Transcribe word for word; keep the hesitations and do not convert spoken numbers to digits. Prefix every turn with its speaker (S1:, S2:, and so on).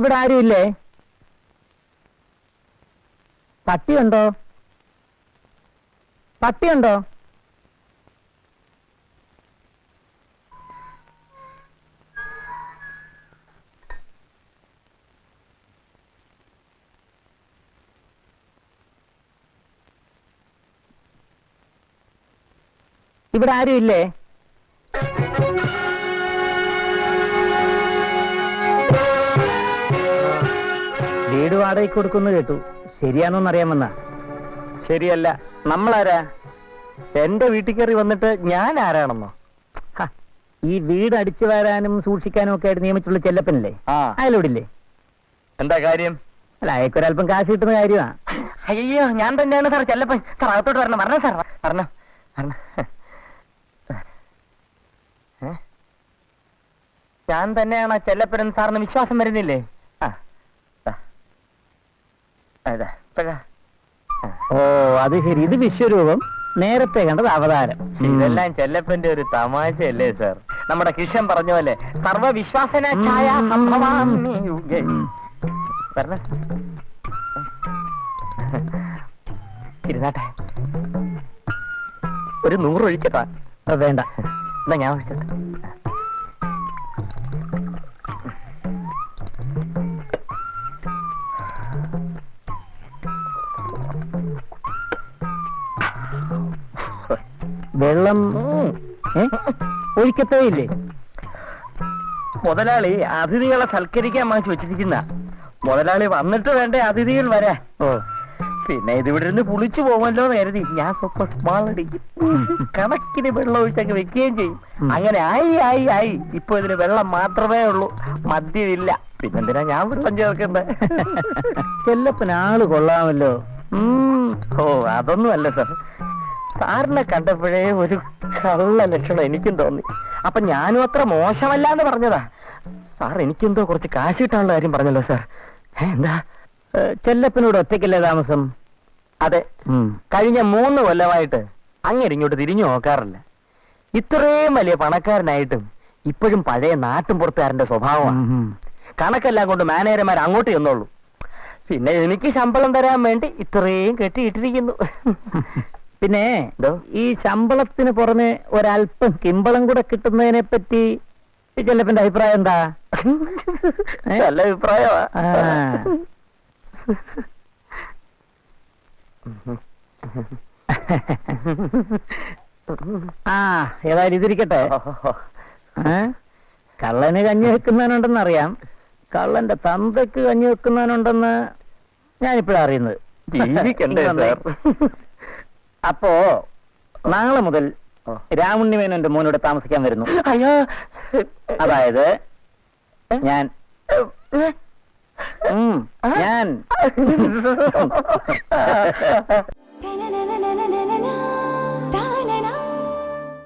S1: ഇവിടെ ആരുമില്ലേ? പട്ടിയുണ്ടോ? പട്ടിയുണ്ടോ? ഇവിടെ ആരുമില്ലേ? വീട് വാടകയ്ക്ക് കൊടുക്കുന്നു കേട്ടു. ശരിയാണോന്ന് അറിയാമെന്നാ.
S2: ശരിയല്ല. നമ്മളാരാ? എന്റെ വീട്ടിൽ കയറി വന്നിട്ട് ഞാൻ ആരാണെന്നോ?
S1: ഈ വീട് അടിച്ചു വരാനും സൂക്ഷിക്കാനും ഒക്കെ ആയിട്ട് നിയമിച്ചുള്ള ചെല്ലപ്പനല്ലേ?
S2: ആ,
S1: അയലോടില്ലേ?
S2: എന്താ കാര്യം?
S1: അല്ല, അയക്കൊരല്പം കാശ് കിട്ടുന്ന കാര്യമാ.
S2: അയ്യോ, ഞാൻ തന്നെയാണ് സാർ ചെല്ലപ്പൻ. സാർ അകത്തോട്ട് വരണം. പറഞ്ഞോ സാർ, പറഞ്ഞോ പറഞ്ഞോ. ഞാൻ തന്നെയാണ് ചെല്ലപ്പൻ സാറിന് വിശ്വാസം വരുന്നില്ലേ? ആ,
S1: ഓ, അത് ശരി. ഇത് വിശ്വരൂപം, നേരത്തെ കണ്ടത് അവതാരം.
S2: ഇതെല്ലാം ചെല്ലപ്പന്റെ ഒരു തമാശയല്ലേ സാർ? നമ്മുടെ കിഷൻ പറഞ്ഞ പോലെ സർവവിശ്വാസന ഛായ സംഭവാമി യുഗേ. പറഞ്ഞ ഇരുന്നാട്ടെ, ഒരു നൂറ് ഒഴിക്കട്ടാ.
S1: വേണ്ട,
S2: എന്നാ ഞാൻ ഒഴിച്ചോട്ടെ.
S1: വെള്ളം ഒഴിക്കത്തേ ഇല്ലേ?
S2: മുതലാളി അതിഥികളെ സൽക്കരിക്കാൻ വാങ്ങിച്ചു വെച്ചിരിക്കുന്ന. മുതലാളി വന്നിട്ട് വേണ്ടേ അതിഥികൾ വരാൻ.
S1: ഓ,
S2: പിന്നെ ഇതിവിടെ ഇരുന്ന് പുളിച്ചു പോകുമല്ലോ എന്ന് കരുതി ഞാൻ സ്വപ്പം സ്മാൾ അടിക്കും. കണക്കിന് വെള്ളം ഒഴിച്ചൊക്കെ വെക്കുകയും ചെയ്യും. അങ്ങനെ ആയി ആയി ആയി ഇപ്പൊ ഇതിന് വെള്ളം മാത്രമേ ഉള്ളൂ, മദ്യമില്ല. പിന്നെന്തിനാ ഞാൻ വെള്ളം ചേർക്കണ്ടേ?
S1: ചെല്ലപ്പൻ ആള് കൊള്ളാമല്ലോ.
S2: ഓ, അതൊന്നും അല്ല സാർ. സാറിനെ കണ്ടപ്പോഴേ ഒരു കള്ള ലക്ഷണം എനിക്കും തോന്നി. അപ്പൊ ഞാനും അത്ര മോശമല്ലാന്ന് പറഞ്ഞതാ. സാർ എനിക്കെന്തോ കുറച്ച് കാശ് കിട്ടാനുള്ള കാര്യം പറഞ്ഞല്ലോ സാർ. എന്താ?
S1: ചെല്ലപ്പനോട് ഒറ്റയ്ക്കല്ലേ താമസം?
S2: അതെ. കഴിഞ്ഞ മൂന്ന് കൊല്ലമായിട്ട് അങ്ങനെ ഇങ്ങോട്ട് തിരിഞ്ഞു നോക്കാറില്ല. ഇത്രയും വലിയ പണക്കാരനായിട്ടും ഇപ്പോഴും പഴയ നാട്ടും പുറത്തുകാരന്റെ സ്വഭാവമാണ്. കണക്കെല്ലാം കൊണ്ട് മാനേജർമാർ അങ്ങോട്ട് ചെന്നോളൂ. പിന്നെ എനിക്ക് ശമ്പളം തരാൻ വേണ്ടി ഇത്രയും കെട്ടിയിട്ടിരിക്കുന്നു.
S1: പിന്നെ ഈ ശമ്പളത്തിന് പുറമെ ഒരല്പം കിമ്പളം കൂടെ കിട്ടുന്നതിനെ പറ്റി ചെല്ലപ്പന്റെ അഭിപ്രായം എന്താ?
S2: നല്ല അഭിപ്രായമാ.
S1: ആ, ഏതായാലും ഇതിരിക്കട്ടെ. കള്ളന് കഞ്ഞി വെക്കുന്നവനുണ്ടെന്ന് അറിയാം. കള്ളന്റെ തന്തയ്ക്ക് കഞ്ഞി വെക്കുന്നവനുണ്ടെന്ന് ഞാനിപ്പോഴാ അറിയുന്നത്. അപ്പോ നാളെ മുതൽ രാമുണ്ണിമേനോന്റെ മോനോട് താമസിക്കാൻ വരുന്നു.
S2: അയ്യോ,
S1: അതായത് ഞാൻ ഞാൻ